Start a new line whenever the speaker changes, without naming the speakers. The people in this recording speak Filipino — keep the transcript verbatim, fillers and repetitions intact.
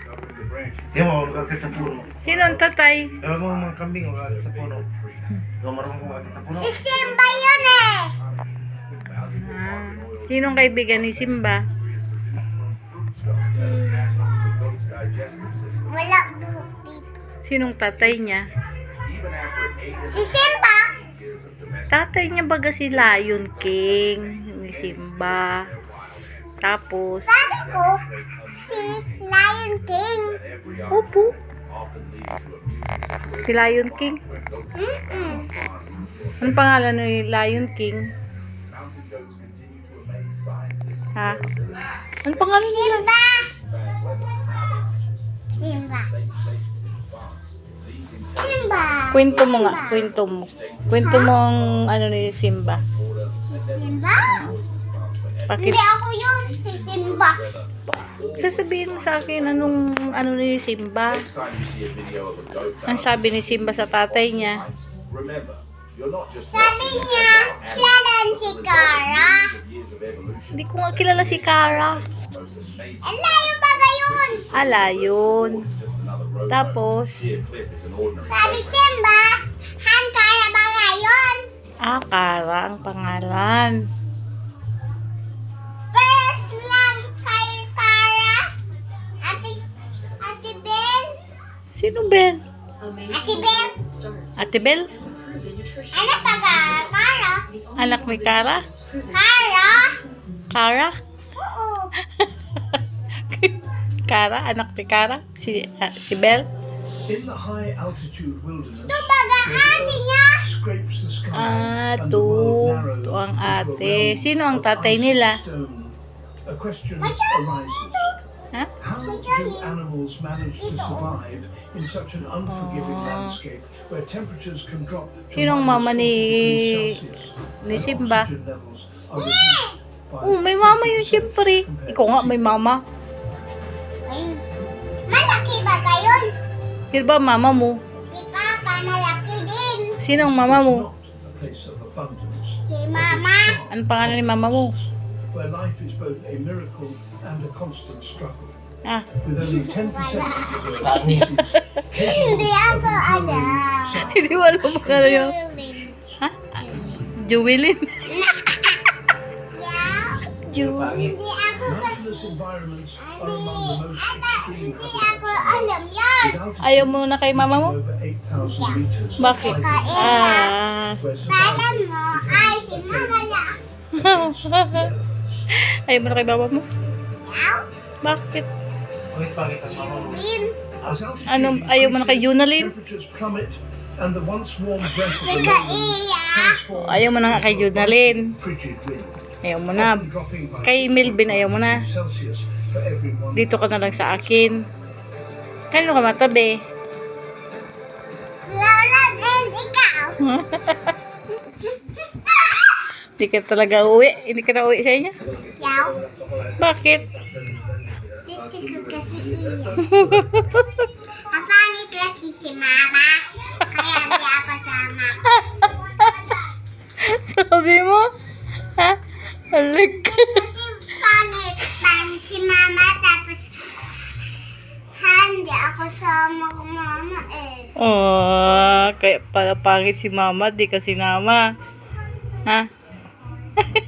Di mo, magkakit sa puno.
Sino ang tatay?
Ewan mo mga kambing, magkakit sa puno. Ikaw marunong kung magkakit sa puno.
Si Simba yun eh.
Ah, sinong kaibigan ni Simba?
Wala buhok dito.
Sinong tatay niya?
Si Simba.
Tatay niya baga si Lion King, ni Simba. Tapos,
Sabi ko, si Lion King.
opo. Si Lion King.
Mm-mm.
Anong pangalan ni Lion King? Ha? Anong pangalan nila?
Simba. Simba. Simba.
Kwento mo nga, kwento mo. Kwento mo ang ano ni Simba.
Si Simba?
Bakit?
Hindi ako yun. Si Simba.
Sasabihin mo sa akin anong ano ni Simba? Ang sabi ni Simba sa tatay niya.
Sabi niya, kilalan si Kara.
Hindi ko nga kilala si Kara.
Ang layo ba gayon?
Ala, yun. Tapos,
Sabi Simba, Han Kara ba ngayon?
ah, Kara ang pangalan.
First lang kay Kara. Ate, Ate Bel.
Sino Bel?
Ate Bel.
Ate Bel?
Ano pa ka? Kara?
Anak ni Kara?
Kara?
Kara?
Oo.
Kara? Anak ni Kara? Si, ah, si Bel?
In the high altitude wilderness,
Ito baga ate niya.
scrapes the sky
Ah,
and the
to.
world narrows
To ang
into a
ate.
realm
Sino ang
of
tatay
ice and
nila?
stone. A question
Masyado.
arises.
Ha?
How do animals manage to survive in such an unforgiving
Ah.
landscape where temperatures can drop to
Sinong
minus
mama ni-
forty degrees Celsius
ni
and
Simba?
oxygen levels are reduced by
Oh, may mama yun
fifty percent
siyempre.
compared
Ikaw
to
nga,
sea
may
level.
mama.
Ay, malaki ba gayon?
Sino ba mama mo?
Si Papa malaki din.
Sinong mama mo?
Not a place of abundance,
Si Mama.
Anong pangalan ni mama mo?
where life is both a miracle and a constant struggle.
Ah,
With only ten percent of the world's species
Hindi ako alam.
hindi mo alam mo ano yun. Ha? Jewelin?
Yeah.
Jew.
Hindi ako kasi.
naturalist environments are
Hindi,
among the most
anak,
extreme
hindi
habitats
ako alam yan.
with altitudes
Ayaw mo na kay mama mo?
over eight thousand meters.
Bakit?
Kakain.
Ah,
Where
Kala
survival
mo, ay si Mama lang.
ayaw mo na kay mama mo?
Yaw.
Bakit?
Bakit pangit ang mama mo?
Din.
As altitude
Anong ayaw mo na kay
increases,
Junalyn?
temperatures plummet and the once warm breath of the
Sika
lowlands
iya.
transforms
Ayaw mo na nga kay Junalyn.
into frigid wind,
Ayaw mo na.
often dropping by
Kay Melvin, ayaw mo na.
Celsius for every one.
Dito ka na lang sa akin. Kanino ka matabi?
Lola and ikaw.
Hindi ka talaga uwi. Hindi ka na uwi sa inyo.
Yaw.
Bakit?
Gusto ko kasi iya. Kapangit kasi si Mama. Kaya hindi ako sama.
Sabi mo? Ha? Halag ka.
Kasi pangit pang si Mama tapos hindi ako sama ko Mama eh.
Oh, kaya pala pangit si mama, di ka sinama. Ha?